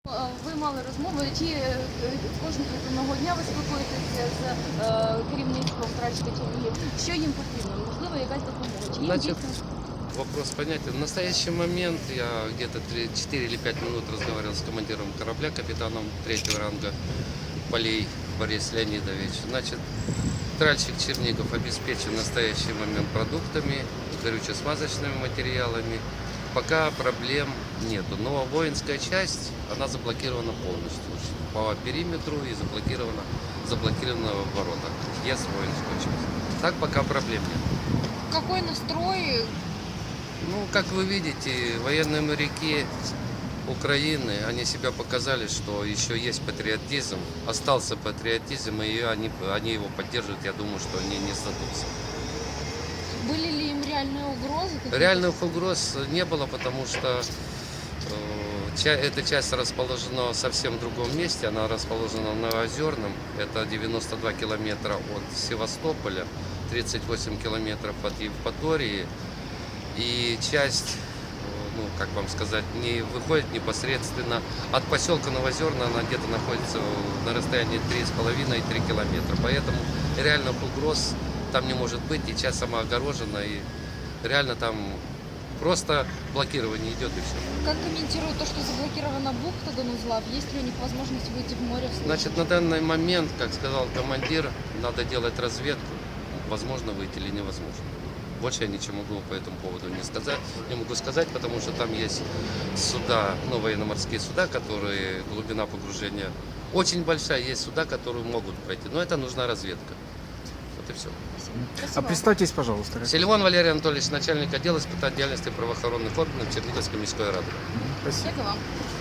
Ви мали розмови, кожного дня ви спілкуєтеся з керівництвом Трачки Чернігів. Що їм потрібно? Можливо, якась допомога? Чи їм Значит, дійсно? вопрос понятен. В настоящий момент я где-то 4 или 5 минут разговаривал с командиром корабля, капитаном 3-го ранга Полей Борис Леонидович. Значит, тральщик Чернигов обеспечен в настоящий момент продуктами, горюче-смазочными материалами. Пока проблем нету. Но воинская часть, она заблокирована полностью по периметру и заблокирована в воротах. Есть воинскую часть. Так пока проблем нет. Какой настрой? Ну, как вы видите, военные моряки Украины, они себя показали, что еще есть патриотизм, остался патриотизм, и они его поддерживают, я думаю, что они не сдадутся. Были ли им реальные угрозы? Реальных угроз не было, потому что эта часть расположена совсем в другом месте, она расположена в Новоозерном, это 92 километра от Севастополя, 38 километров от Евпатории, и часть, ну, как вам сказать, не выходит непосредственно от поселка Новоозерно, она где-то находится на расстоянии 3,5-3 километра, поэтому реальных угроз там не может быть, и часть сама огорожена, и реально там просто блокирование идет и все. Как комментируют то, что заблокирована бухта Донузлав? Есть ли у них возможность выйти в море в случае? Значит, на данный момент, как сказал командир, надо делать разведку, возможно выйти или невозможно. Больше я ничего могу по этому поводу не могу сказать, потому что там есть суда, ну, военно-морские суда, которые, глубина погружения очень большая, есть суда, которые могут пройти, но это нужна разведка. Вот и все. А представьтесь, пожалуйста. Сильван Валерий Анатольевич, начальник отдела испытательной деятельности правоохранных органов Черниговской міської ради. Спасибо. Дякую вам.